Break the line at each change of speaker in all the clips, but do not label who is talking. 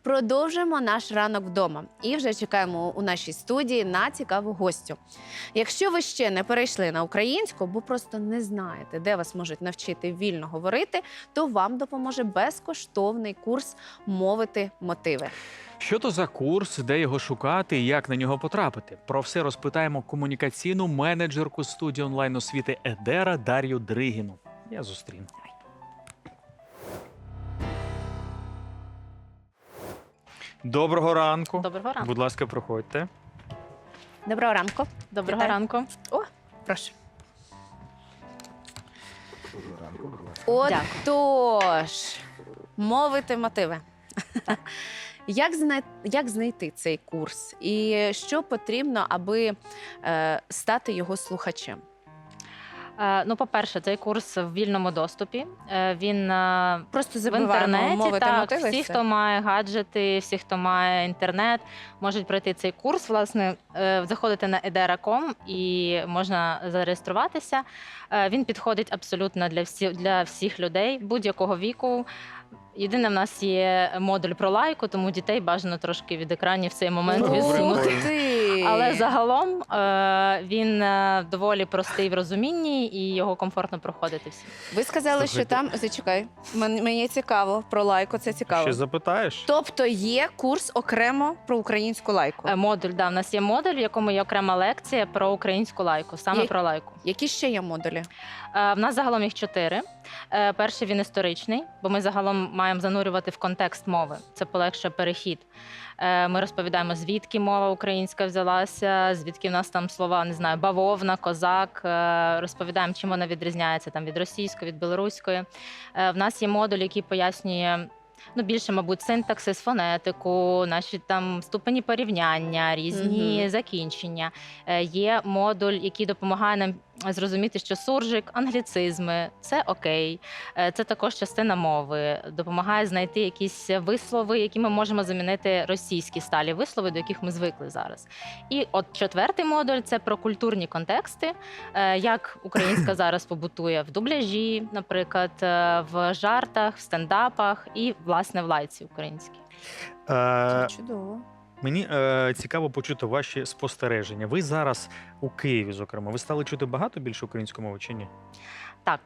Продовжуємо наш ранок вдома і вже чекаємо у нашій студії на цікаву гостю. Якщо ви ще не перейшли на українську, бо просто не знаєте, де вас можуть навчити вільно говорити, то вам допоможе безкоштовний курс «Мовити мотиви».
Що то за курс, де його шукати і як на нього потрапити? Про все розпитаємо комунікаційну менеджерку студії онлайн-освіти Едера Дар'ю Дригіну. Я зустріну. Доброго ранку.
Доброго ранку.
Будь ласка, проходьте.
Доброго ранку.
Доброго
Вітаю.
ранку.
Прошу. Отож, «Мовити мотиви». Як знайти цей курс? І що потрібно, аби стати його слухачем?
Ну, по-перше, цей курс в вільному доступі. Він
Просто
в
забиваємо
інтернеті.
«Мовити
Так,
мотиви».
всі, хто має гаджети, всі, хто має інтернет, можуть пройти цей курс. Власне, заходити на edera.com і можна зареєструватися. Він підходить абсолютно для всіх людей будь-якого віку. Єдине, в нас є модуль про лайку, тому дітей бажано трошки від екранів в цей момент
Добре.
відсунути.
Ух ти!
Але загалом він доволі простий в розумінні і його комфортно проходити всім.
Ви сказали, що
Слухайте.
там... Зачекай, мені цікаво, про лайку це цікаво.
Ще запитаєш?
Тобто є курс окремо про українську лайку?
Модуль, да, в нас є модуль, в якому є окрема лекція про українську лайку, саме
Є-
про лайку.
Які ще є модулі?
В нас загалом їх 4. Перший він історичний, бо ми загалом маємо занурювати в контекст мови. Це полегшує перехід. Ми розповідаємо, звідки мова українська взялася, звідки в нас там слова, не знаю, бавовна, козак. Розповідаємо, чим вона відрізняється там від російської, від білоруської. В нас є модуль, який пояснює більше, мабуть, синтаксис, фонетику, наші там ступені порівняння, різні закінчення. Є модуль, який допомагає нам зрозуміти, що суржик, англіцизми – це окей. Це також частина мови. Допомагає знайти якісь вислови, які ми можемо замінити російські сталі вислови, до яких ми звикли зараз. І от 4-й модуль – це про культурні контексти, як українська зараз побутує в дубляжі, наприклад, в жартах, в стендапах і, власне, в лайці українській.
Е,
Чудово.
Мені цікаво почути ваші спостереження. Ви зараз у Києві, зокрема. Ви стали чути багато більше української мови чи ні?
Так,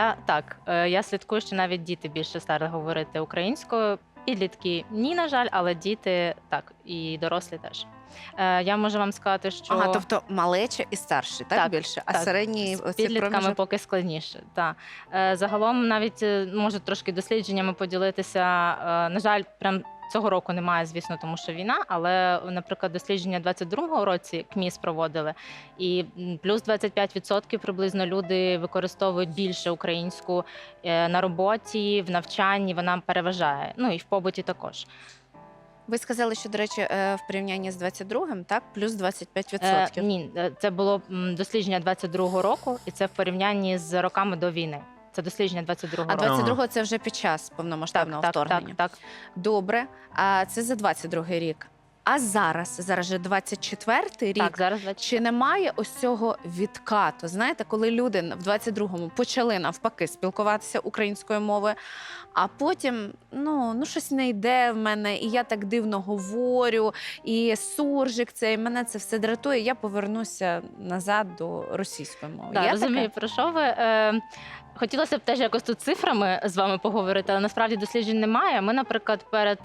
я слідкую, що навіть діти більше стали говорити українською. Підлітки ні, на жаль, але діти так, і дорослі теж. Я можу вам сказати, що
Ага, тобто малеча і старші, так,
Так,
більше? А
так.
середні
з
оці
підлітками
проміжок?
поки складніше. Так. Загалом навіть можу трошки дослідженнями поділитися. На жаль, прям цього року немає, звісно, тому що війна, але, наприклад, дослідження 22-го році КМІС проводили, і плюс 25% приблизно люди використовують більше українську на роботі, в навчанні, вона переважає, ну і в побуті також.
Ви сказали, що, до речі, в порівнянні з 22-м, так, плюс 25%.
Ні, це було дослідження 22-го року, і це в порівнянні з роками до війни. Це дослідження 22-го
А
року.
22-го це вже під час повномасштабного вторгнення.
Так.
Добре, а це за 22-й рік. А зараз же 24-й рік.
Так, зараз
Чи немає ось цього відкату? Знаєте, коли люди в 22-му почали навпаки спілкуватися українською мовою, а потім щось не йде в мене, і я так дивно говорю, і суржик цей, мене це все дратує, я повернуся назад до російської мови.
Так,
Є
розумію,
таке?
про що ви. Хотілося б теж якось тут цифрами з вами поговорити, але насправді досліджень немає. Ми, наприклад, перед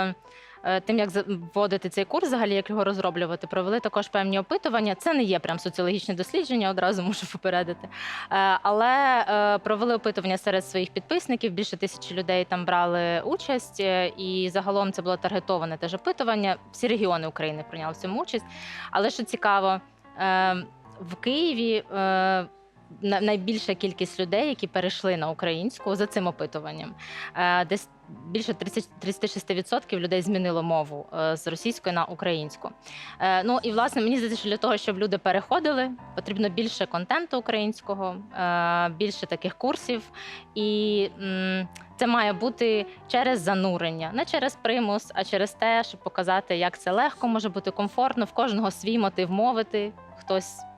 тим, як вводити цей курс, взагалі, як його розроблювати, провели також певні опитування. Це не є прям соціологічне дослідження, одразу можу попередити. Але провели опитування серед своїх підписників, більше 1000 людей там брали участь, і загалом це було таргетоване теж опитування. Всі регіони України прийняли в цьому участь. Але що цікаво, в Києві найбільша кількість людей, які перейшли на українську за цим опитуванням. Десь більше 36% людей змінило мову з російської на українську. І, власне, мені здається, що для того, щоб люди переходили, потрібно більше контенту українського, більше таких курсів. І це має бути через занурення, не через примус, а через те, щоб показати, як це легко, може бути комфортно, в кожного свій мотив мовити. Хтось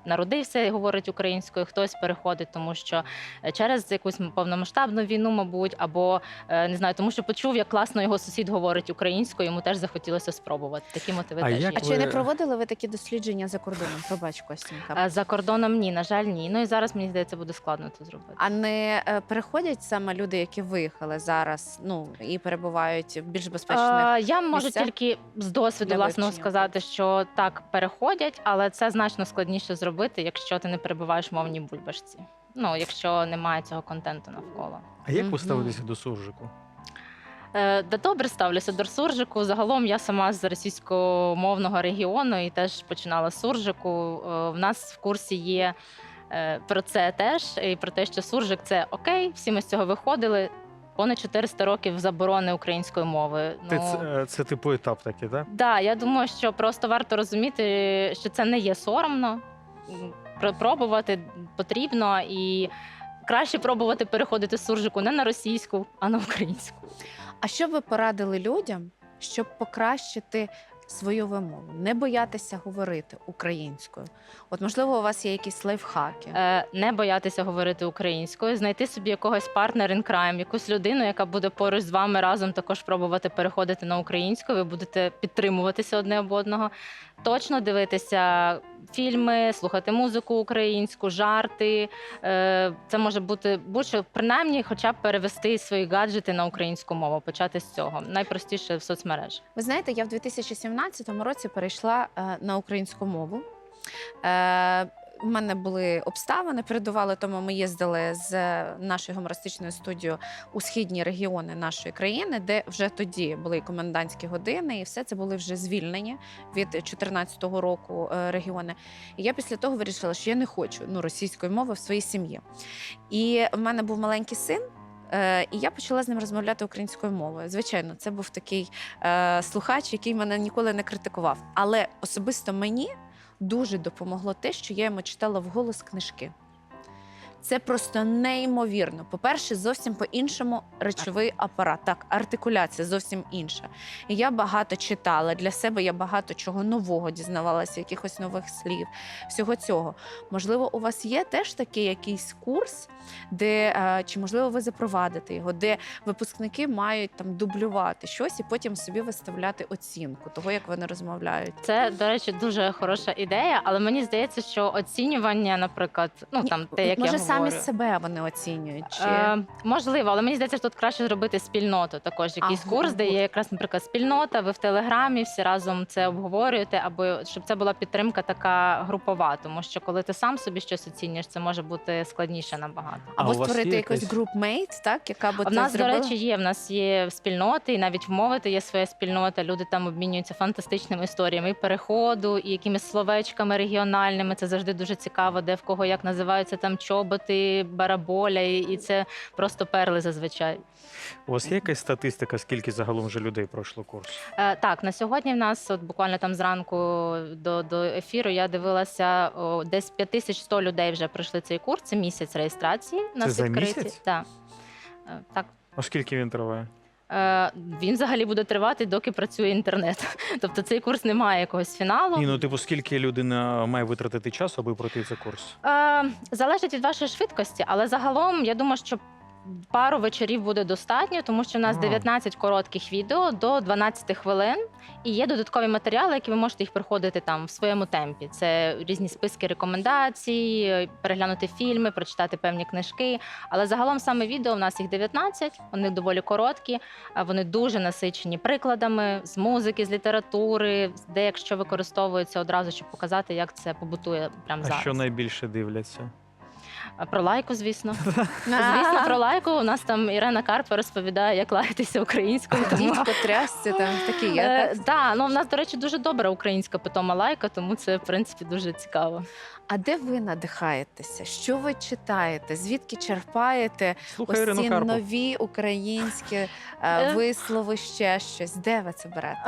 народився і говорить українською, хтось переходить, тому що через якусь повномасштабну війну, мабуть, або не знаю, тому що почув, як класно його сусід говорить українською, йому теж захотілося спробувати. Такі мотиви
А
теж
як
є.
А чи не проводили ви такі дослідження за кордоном? Пробач, Костянька.
За кордоном ні, на жаль, ні. Ну і зараз, мені здається, буде складно це зробити.
А не переходять саме люди, які виїхали зараз, ну і перебувають в більш безпечних?
Я можу
місцях
тільки з досвіду
для
власного
вивчення
сказати, що так переходять, але це значно складніше зробити, якщо ти не перебуваєш в мовній бульбашці. Ну, якщо немає цього контенту навколо.
А як
Мгм.
ви ставитеся до суржику?
Да добре ставлюся до суржику. Загалом я сама з російськомовного регіону і теж починала з суржику. В нас в курсі є про це теж, і про те, що суржик це окей, всі ми з цього виходили. Понад 400 років заборони української мови.
Це типу етап такий, так?
Да, я думаю, що просто варто розуміти, що це не є соромно. Пробувати потрібно і краще пробувати переходити з суржику не на російську, а на українську.
А що б ви порадили людям, щоб покращити свою вимову, не боятися говорити українською? От, можливо, у вас є якісь лайфхаки.
Не боятися говорити українською, знайти собі якогось партнер in crime, якусь людину, яка буде поруч з вами разом також пробувати переходити на українську. Ви будете підтримуватися одне об одного. Точно дивитися фільми, слухати музику українську, жарти. Це може бути будь-що, принаймні, хоча б перевести свої гаджети на українську мову, почати з цього. Найпростіше в соцмережі.
Ви знаєте, я в 2017 році перейшла на українську мову. У мене були обставини, передували, тому ми їздили з нашою гумористичною студією у східні регіони нашої країни, де вже тоді були і комендантські години, і все це були вже звільнені від 2014 року регіони. І я після того вирішила, що я не хочу російської мови в своїй сім'ї. І в мене був маленький син, і я почала з ним розмовляти українською мовою. Звичайно, це був такий слухач, який мене ніколи не критикував. Але особисто мені дуже допомогло те, що я йому читала вголос книжки. Це просто неймовірно. По-перше, зовсім по-іншому речовий апарат. Так, артикуляція зовсім інша. І я багато читала. Для себе я багато чого нового дізнавалася, якихось нових слів, всього цього. Можливо, у вас є теж такий якийсь курс, де, чи, можливо, ви запровадите його, де випускники мають там дублювати щось і потім собі виставляти оцінку того, як вони розмовляють.
Це, до речі, дуже хороша ідея, але мені здається, що оцінювання, наприклад, те, як
Може,
я
самі
говорю,
себе вони оцінюють? Чи...
можливо, але мені здається, що тут краще зробити спільноту. Також якийсь
Ага,
курс, де є якраз, наприклад, спільнота, ви в Телеграмі всі разом це обговорюєте, або щоб це була підтримка така групова, тому що коли ти сам собі щось оцінюєш, це може бути складніше набагато.
Або
у вас
створити
є
якийсь
якась-
групмейт, так, яка би
В
це
нас,
зробила?
до речі, в нас є спільноти, і навіть в мовити є своя спільнота. Люди там обмінюються фантастичними історіями і переходу, і якимись словечками регіональними. Це завжди дуже цікаво, де в кого як називаються там чоботи, бараболя, і це просто перли зазвичай.
У вас є якась статистика, скільки загалом вже людей пройшло курс?
Так, на сьогодні в нас, от буквально там зранку до ефіру, я дивилася, десь 5100 людей вже пройшли цей курс. Це місяць реєстрації. У нас
Це за
відкриті.
місяць?
Так. Так.
А скільки він триває?
Він взагалі буде тривати, доки працює інтернет. Тобто цей курс не має якогось фіналу.
Ні, типу, скільки людина має витратити часу, аби пройти цей курс?
Залежить від вашої швидкості, але загалом я думаю, що пару вечорів буде достатньо, тому що у нас 19 коротких відео до 12 хвилин, і є додаткові матеріали, які ви можете їх проходити там в своєму темпі. Це різні списки рекомендацій, переглянути фільми, прочитати певні книжки. Але загалом саме відео у нас їх 19, вони доволі короткі, вони дуже насичені прикладами з музики, з літератури, де якщо використовується одразу, щоб показати, як це побутує прямо
А
зараз.
що найбільше дивляться?
Про лайку, звісно. Звісно, про лайку. У нас там Ірена Карпа розповідає, як лаятися українською. Тому...
Дідько трясці, там такі є, так?
Так, в нас, до речі, дуже добра українська питома лайка, тому це, в принципі, дуже цікаво.
А де ви надихаєтеся? Що ви читаєте? Звідки черпаєте
Слухай
ось
Ірину
ці
Карпу.
нові українські вислови, ще щось? Де ви це берете?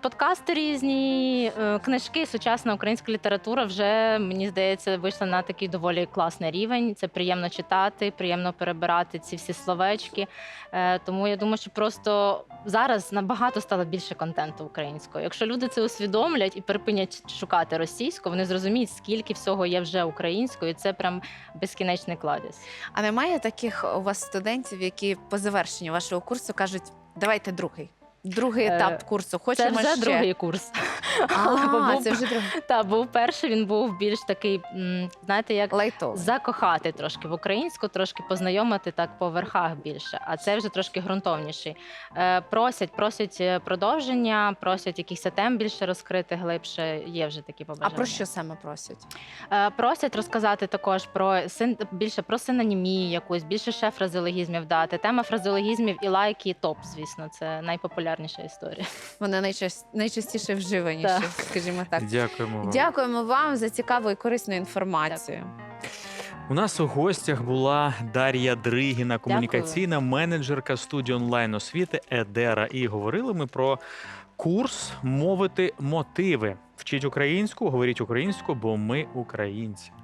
Подкасти різні, книжки, сучасна українська література вже, мені здається, вийшла на такий доволі доволі класний рівень. Це приємно читати, приємно перебирати ці всі словечки. Тому я думаю, що просто зараз набагато стало більше контенту українською. Якщо люди це усвідомлять і припинять шукати російську, вони зрозуміють, скільки всього є вже українською. І це прям безкінечний кладезь.
А немає таких у вас студентів, які по завершенню вашого курсу кажуть, давайте другий етап курсу,
Це
хочемо
вже
ще.
другий курс.
Це вже другий.
Та був перший, він був більш такий, знаєте, як
Лайтовий.
закохати трошки в українську, трошки познайомити так по верхах більше. А це вже трошки ґрунтовніший. Просять продовження, просять якихось тем більше розкрити глибше. Є вже такі
А
побажання.
про що саме просять?
Просять розказати також більше про синонімію якусь, більше ще фразеологізмів дати. Тема фразеологізмів і лайки топ, звісно, це найпопулярніша історія.
Вони найчастіше вживаніші,
Так.
скажімо так.
Дякуємо вам.
Дякуємо вам за цікаву і корисну інформацію.
У нас у гостях була Дар'я Дригіна, комунікаційна менеджерка студії онлайн-освіти «Едера». І говорили ми про курс «Мовити мотиви». Вчіть українську, говоріть українську, бо ми українці.